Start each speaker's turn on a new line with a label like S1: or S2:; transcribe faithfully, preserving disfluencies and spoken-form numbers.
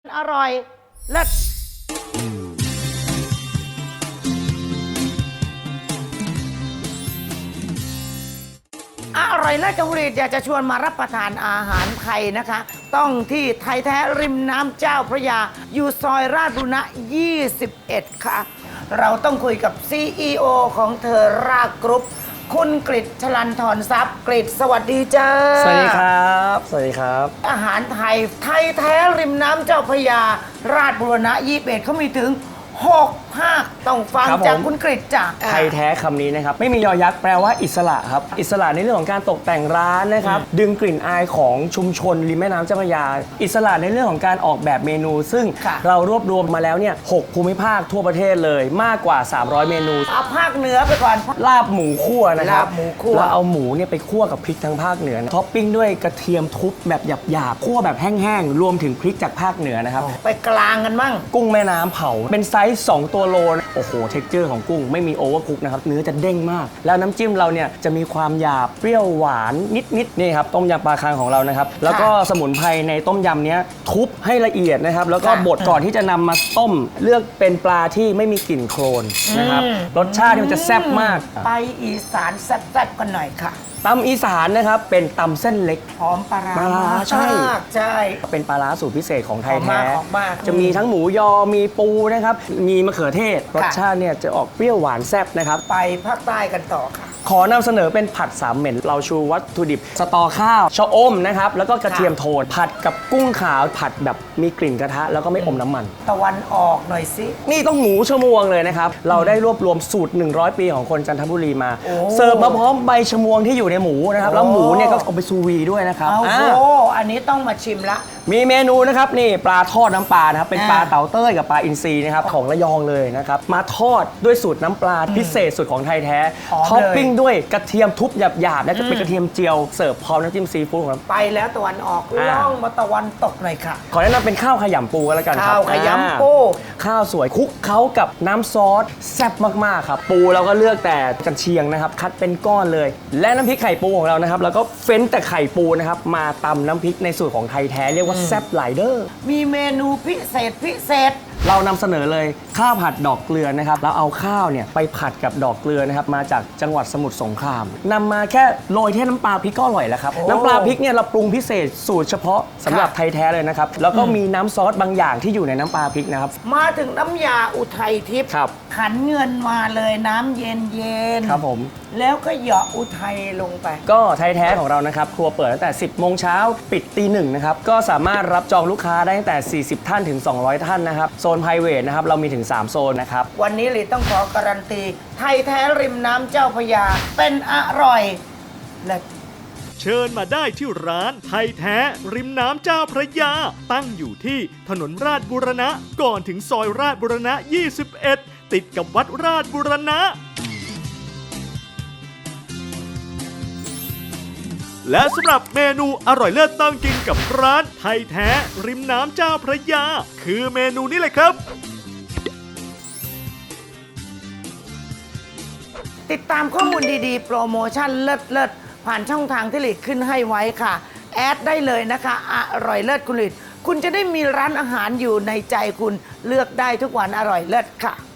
S1: อร่อยเลิศอร่อยเลิศจังหวัดอยากจะชวนมารับประทานอาหารไทยนะคะ ต้องที่ไทยแท้ริมน้ำเจ้าพระยาอยู่ซอยราชบุรณะยี่สิบเอ็ดค่ะเราต้องคุยกับ ซี อี โอ ของเธอรากกรุ๊ปคุณกฤษชลันทรทรัพย์กฤษสวัสดีจ้า
S2: สวัสดีครับสวัสดีครับ
S1: อาหารไทยไทยแท้ริมน้ำเจ้าพระยาราชบุรณะยี่สิบเอ็ดเขามีถึงหกภาคต้องฟังจากคุณกฤษจ้ะ
S2: ไทยแท้คำนี้นะครับไม่มียอยักษ์แปลว่าอิสระครับอิสระในเรื่องของการตกแต่งร้านนะครับดึงกลิ่นอายของชุมชนริมแม่น้ำเจ้าพระยาอิสระในเรื่องของการออกแบบเมนูซึ่งเรารวบรวมมาแล้วเนี่ยหกภูมิภาคทั่วประเทศเลยมากกว่าสามร้อยเมนู
S1: เอาภาคเหนือไปก่อน
S2: ลาบหมูคั่วนะครับ
S1: ลาบหมูคั่ว
S2: แล้วเอาหมูเนี่ยไปคั่วกับพริกทางภาคเหนือท็อปปิ้งด้วยกระเทียมทุบแบบหยาบๆคั่วแบบแห้งๆรวมถึงพริกจากภาคเหนือนะครับ
S1: ไปกลางกันมั่ง
S2: กุ้งแม่น้ำเผาเป็นไซส์สองตัวโลโอ้โหเท็กเจอร์ของกุ้งไม่มีโอเวอร์คุกนะครับเนื้อจะเด้งมากแล้วน้ำจิ้มเราเนี่ยจะมีความหยาบเปรี้ยวหวานนิดๆนี่ครับต้มยำปลาคางของเรานะครับแล้วก็สมุนไพรในต้มยำเนี้ยทุบให้ละเอียดนะครับแล้วก็บดก่อนที่จะนำมาต้มเลือกเป็นปลาที่ไม่มีกลิ่นโคลนนะครับรสชาติมันจะแซ่บมาก
S1: ไปอีสานแซ่บๆกันหน่อยค่ะ
S2: ตำอีสานนะครับเป็นตำเส้นเล็ก
S1: หอมปลาร้า
S2: ปลาร้าใช่
S1: ใช่
S2: เป็นปลาร้าสูตรพิเศษของไทยแท้
S1: จะ
S2: มีทั้งหมูยอมีปูนะครับมีมะเขือเทศรสชาติเนี่ยจะออกเปรี้ยวหวานแซ่บนะครับ
S1: ไปภาคใต้กันต่อค่ะ
S2: ขอนำเสนอเป็นผัดสามเหม็นเราชูวัตถุดิบสตอข้าวชะอมนะครับแล้วก็กระเทียมโทนผัดกับกุ้งขาวผัดแบบมีกลิ่นกระทะแล้วก็ไม่อมน้ำมัน
S1: ตะวันออกหน่อยสิ
S2: นี่ต้องหมูชะมวงเลยนะครับเราได้รวบรวมสูตรหนึ่งร้อยปีของคนจันทบุรีมาเสิร์ฟมาพร้อมใบชะมวงที่อยู่ในหมูนะครับแล้วหมูเนี่ยก็เอาไปซูวีด้วยนะครับ
S1: โอ้โหอันนี้ต้องมาชิมละ
S2: มีเมนูนะครับนี่ปลาทอดน้ำปลานะครับเป็นปลาเต่าเต้ยกับปลาอินทรีนะครับของระยองเลยนะครับมาทอดด้วยสูตรน้ำปลาพิเศษสุดของไทยแท้ท็อปปิ้งด้วยกระเทียมทุบหยาบๆและจะเป็นกระเทียมเจียวเสิร์ฟพร้อมน้ำจิ้มซีฟู้ดของเรา
S1: ไปแล้วตะวันออกล่องมาตะวันตกหน่อยค่ะ
S2: ขอแนะนำเป็นข้าวขยำปูกันแล้วกันครับ
S1: ข้าวขยำปู
S2: ข้าวสวยคลุกเคล้ากับน้ำซอสแซ่บมากๆครับปูเราก็เลือกแต่กระเชียงนะครับคัดเป็นก้อนเลยและน้ำพริกไข่ปูของเรานะครับแล้วก็เฟ้นแต่ไข่ปูนะครับมาตำน้ำพริกในสูตรของไทยแท้เรียกว่าแซ่บหลายเด้อ
S1: มีเมนูพิเศษพิเศษ
S2: เรานำเสนอเลยข้าวผัดดอกเกลือนะครับเราเอาข้าวเนี่ยไปผัดกับดอกเกลือนะครับมาจากจังหวัดสมุทรสงครามนำมาแค่โรยแค่น้ำปลาพริกก็อร่อยแล้วครับน้ำปลาพริกเนี่ยเราปรุงพิเศษสูตรเฉพาะสำหรับไทยแท้เลยนะครับแล้วก็มีน้ำซอสบางอย่างที่อยู่ในน้ำปลาพริกนะครับ
S1: มาถึงน้ำยาอุทัยทิพย์ขันเงินมาเลยน้ำเย็นเย็น
S2: ครับผม
S1: แล้วก็เหยาะอุทัยลงไป
S2: ก็ไทยแท้ของเรานะครับครัวเปิดตั้งแต่สิบโมงเช้าปิดตีหนึ่งนะครับก็สามารถรับจองลูกค้าได้ตั้งแต่สี่สิบท่านถึงสองร้อยท่านนะครับโซนไพรเวทนะครับเรามีถึงสามโซนนะครับ
S1: วันนี้ลีต้องขอการันตีไทยแท้ริมน้ำเจ้าพระยาเป็นอร่อยและ
S3: เชิญมาได้ที่ร้านไทยแท้ริมน้ำเจ้าพระยาตั้งอยู่ที่ถนนราชบูรณะก่อนถึงซอยราชบูรณะยี่สิบเอ็ดติดกับวัดราชบูรณะและสำหรับเมนูอร่อยเลิศต้องกินกับร้านไทยแท้ริมน้ำเจ้าพระยาคือเมนูนี้เลยครับ
S1: ติดตามข้อมูลดีๆโปรโมชั่นเลิศๆผ่านช่องทางที่หลีดขึ้นให้ไว้ค่ะแอดได้เลยนะคะอร่อยเลิศคุณหลีดคุณจะได้มีร้านอาหารอยู่ในใจคุณเลือกได้ทุกวันอร่อยเลิศค่ะ